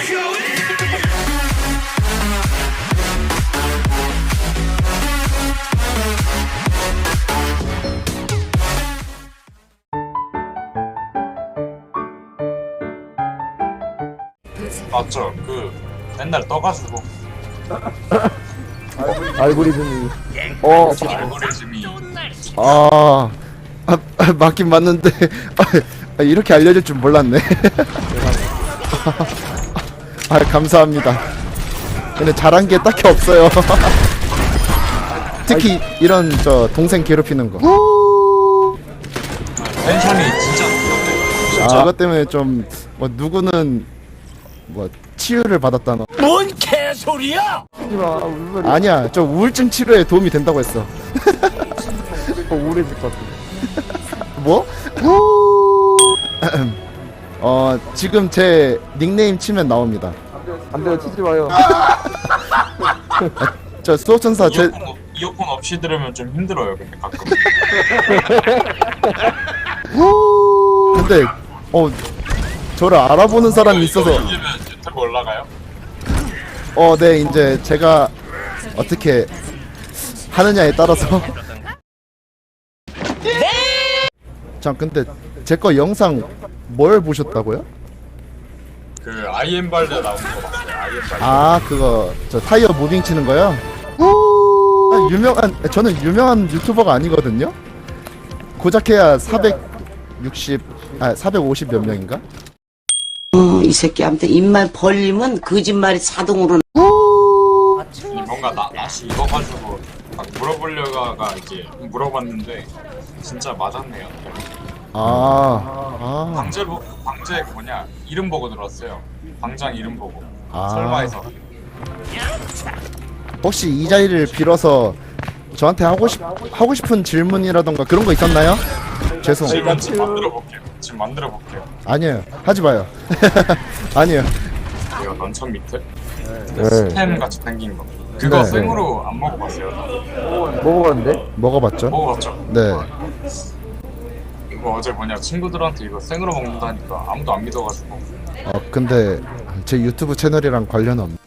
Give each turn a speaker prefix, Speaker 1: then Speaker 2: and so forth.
Speaker 1: 맞죠? 그 맨날 떠가지고
Speaker 2: 알고리즘이
Speaker 1: 알고리즘이
Speaker 3: 맞긴 맞는데 이렇게 알려줄 줄 몰랐네. 감사합니다. 근데 잘한 게 딱히 없어요. 특히 이런 저 동생 괴롭히는 거.
Speaker 1: 텐션이 진짜 높던데.
Speaker 3: 저것 때문에 좀 뭐 누구는 뭐 치유를 받았다너.
Speaker 4: 뭔 개소리야!
Speaker 2: 하지마 무슨 소리야.
Speaker 3: 아니야, 저 우울증 치료에 도움이 된다고 했어.
Speaker 2: 우울해질 것 같아.
Speaker 3: 뭐? 지금 제 닉네임 치면 나옵니다.
Speaker 2: 안돼요 치지 마요.
Speaker 3: 저 수호천사 제
Speaker 1: 이어폰 없이 들으면 좀 힘들어요. 근데 가끔.
Speaker 3: 근데 저를 알아보는 사람이 있어서
Speaker 1: 요즘은 유튜브 올라가요?
Speaker 3: 네, 이제 제가 어떻게 하느냐에 따라서. 참, 근데 제 거 영상 뭘 보셨다고요?
Speaker 1: 그 아이엠 발레 나오는 거 봤어요. 아이엠 발레.
Speaker 3: 그거 저 타이어 무빙 치는 거요? 저는 유명한 유튜버가 아니거든요. 고작해야 450 몇 명인가?
Speaker 5: 이 새끼한테 입만 벌리면 거짓말이 자동으로.
Speaker 1: 뭔가 낯이 익어가지고 막 물어보려다가 이제 물어봤는데 진짜 맞았네요. 방제 뭐냐 이름 보고 들었어요. 방장 이름 보고. 설마 해서.
Speaker 3: 혹시 이 자리를 빌어서 저한테 하고 싶은 질문이라던가 그런 거 있었나요? 죄송.
Speaker 1: 지금 만들어 볼게요.
Speaker 3: 아니에요. 하지 마요. 아니에요.
Speaker 1: 이거 런천 밑에
Speaker 2: 네.
Speaker 1: 스팸 같이 생긴 거. 그거
Speaker 3: 네.
Speaker 1: 생으로 안 먹어봤어요.
Speaker 2: 먹어봤는데?
Speaker 3: 먹어봤죠?
Speaker 1: 먹어봤죠?
Speaker 3: 네.
Speaker 1: 이거 어제 친구들한테 이거 생으로 먹는다니까 아무도 안 믿어가지고.
Speaker 3: 근데 제 유튜브 채널이랑 관련 없.